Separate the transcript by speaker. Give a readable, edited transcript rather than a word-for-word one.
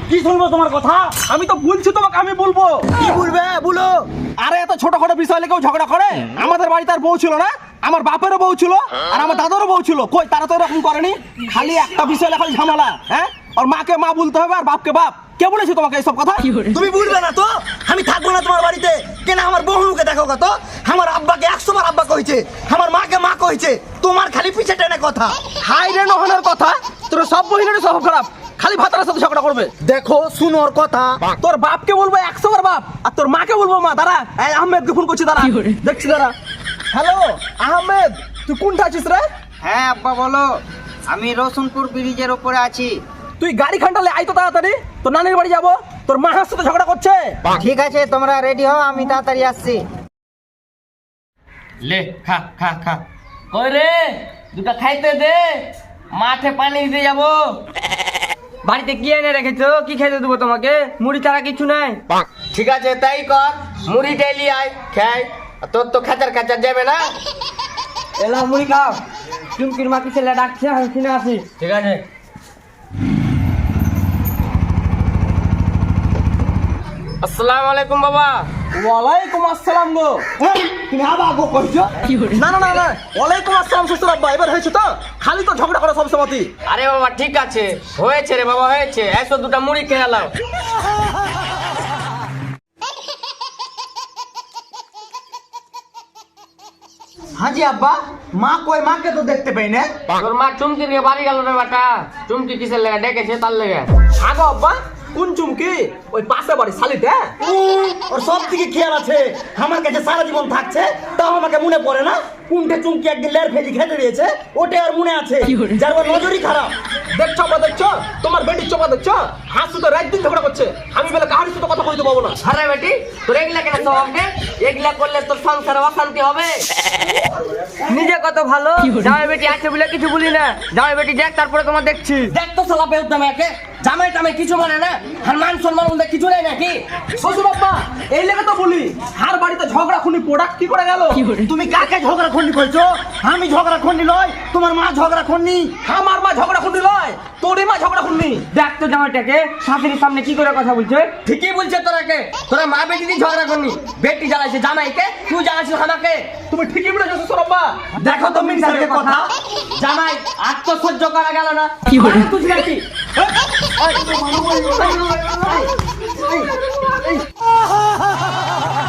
Speaker 1: কি শুনবো তোমার কথা?
Speaker 2: আমি তো বলছি তোমাকে, আমি বলবো।
Speaker 1: কি বলবে বলো?
Speaker 2: আরে এত ছোটখাটো বিষয় নিয়ে কেউ ঝগড়া করে? আমাদের বাড়িতে আর বউ ছিল না? আমার বাপেরও বউ ছিল আর আমার দাদারও বউ ছিল, কই তারা তো এরকম করেনি। খালি একটা বিষয় খালি ঝামেলা। হ্যাঁ, আর মাকে মা বলতে হবে আর বাপকে বাপ। কে বলেছে তোমাকে এইসব কথা?
Speaker 1: তুমি বুঝবে না তো? আমি থাকবো না তোমার বাড়িতে। কেন আমার বহুকে দেখো কত? আমার আব্বাকে 100 বার আব্বা কইছে, আমার মাকে মা কইছে, তোমার খালি পিছে টেনে কথা।
Speaker 2: হাই রে নহনের কথা, তোর সব বহিনের সব খারাপ, খালি ভাতারের সাথে ঝগড়া করবে।
Speaker 1: দেখো শুনোর কথা,
Speaker 2: তোর বাপকে বলবো 100 বার বাপ, আর তোর মাকে বলবো মা। দাঁড়া, এই আহমেদকে ফোন করছি, দাঁড়া দেখছি, দাঁড়া। হ্যালো আহমেদ, তুই কোনটা আছিস রে?
Speaker 3: হ্যাঁ আব্বা বলো, আমি রসুনপুর ব্রিজের উপরে আছি।
Speaker 2: তুই গাড়ি খান্ডালে আই তো তাড়াতাড়ি, তোর নানির বাড়ি যাবো। তোর মার সাথে ঝগড়া করছে।
Speaker 3: ঠিক আছে, তোমরা রেডি হও, আমি তাড়াতাড়ি আসছি।
Speaker 4: লে খা খা খা। কই রে, দুটা খাইতে দে, মাঠে পানি দিতে যাবো। বাড়িতে কি এনে রেখেছো? কি খাইতে দেবো তোমাকে? মুড়ি ছাড়া কিছু নাই। ঠিক আছে তাই কর, মুড়ি ডেলি আয় খাই। তোর তো খাচার খাচার যাবে না। এলা মুড়ি খাও। চুমকির মা কি ছেলে ডাকছে, আমি কিনে আসি। ঠিক আছে। আসসালামু আলাইকুম বাবা।
Speaker 2: ওয়ালাইকুম আসসালাম গো।
Speaker 1: তুমি আবার গো কইছো?
Speaker 2: না না না না, ওয়ালাইকুম আসসালাম শ্বশুর আব্বা। এবার হয়েছে তো? খালি তো ঝগড়া করে সব সময়।
Speaker 4: আরে বাবা ঠিক আছে, হয়েছে রে বাবা, হয়েছে। এসো দুটা মুড়ি খেয়ে নাও।
Speaker 1: হাজি আব্বা, মা কই? মাকে তো দেখতে পাই না।
Speaker 4: তোর মা চুমকি নিয়ে বাড়ি গেল রে বেটা। চুমকি কিসের লেগে ডেকেছে তার লেগে।
Speaker 2: আগো আব্বা, কোন চুমকি? ওই পাশে বাড়ি শালিতে।
Speaker 1: ওর সব দিকে খেয়াল আছে, আমার কাছে সারা জীবন থাকছে, তাও আমাকে মনে পড়ে না। কোনটা চুমকি একদিন লের ফেলি খেতে দিয়েছে, ওটা আর মনে আছে, যার ওর নজরই খারাপ।
Speaker 2: দেখছো আব্বা, দেখছো তোমার বেটির চোপা, দেখছো হাসু তো রাত দিন ঝগড়া করছে। আমি বলে কাহার সাথে কথা কইতে পাবো না।
Speaker 4: আরে বেটি, তোর এগুলা কেন স্বভাব রে? এগুলা করলে তোর সংসারে অশান্তি হবে। নিজে কত ভালো, জামাই বেটি আছে বলে কিছু বলি না। জামাই বেটি দেখ, তারপরে তোমার দেখছি। দেখ তো শালা বেহুদা একে, জামাই টামাই কিছু মানে না, আর মান সম্মান বলতে কিছু নেই নাকি?
Speaker 2: শ্বশুর আব্বা, এই লেগে তো বলি, হার বাড়িতে ঝগড়া খুনি প্রোডাক্ট কি করে গেল?
Speaker 1: তুমি কাকে ঝগড়া খন্ডি কইছো? আমি ঝগড়া খন্ডি লয়, তোমার মা ঝগড়া খন্ডি।
Speaker 2: আমার মা ঝগড়া খুনি লয়, তোরই মা ঝগড়া খুনি।
Speaker 4: দেখ তো জামাইটাকে শাশুড়ির সামনে কি করে কথা বলছে। ঠিকই বলছে তোরাকে, তোরা মা বেটি দিয়ে ঝগড়া করনি। বেটি জ্বালাইছে জামাইকে, তুই জ্বালাইছিস আমাকে।
Speaker 2: তুমি ঠিকই বলেছো শ্বশুর আব্বা।
Speaker 1: দেখো তো মিনিস্টারের কথা।
Speaker 4: জামাই আর তো সহ্য করা গেল না। কি বলে তুই নাকি?
Speaker 1: এই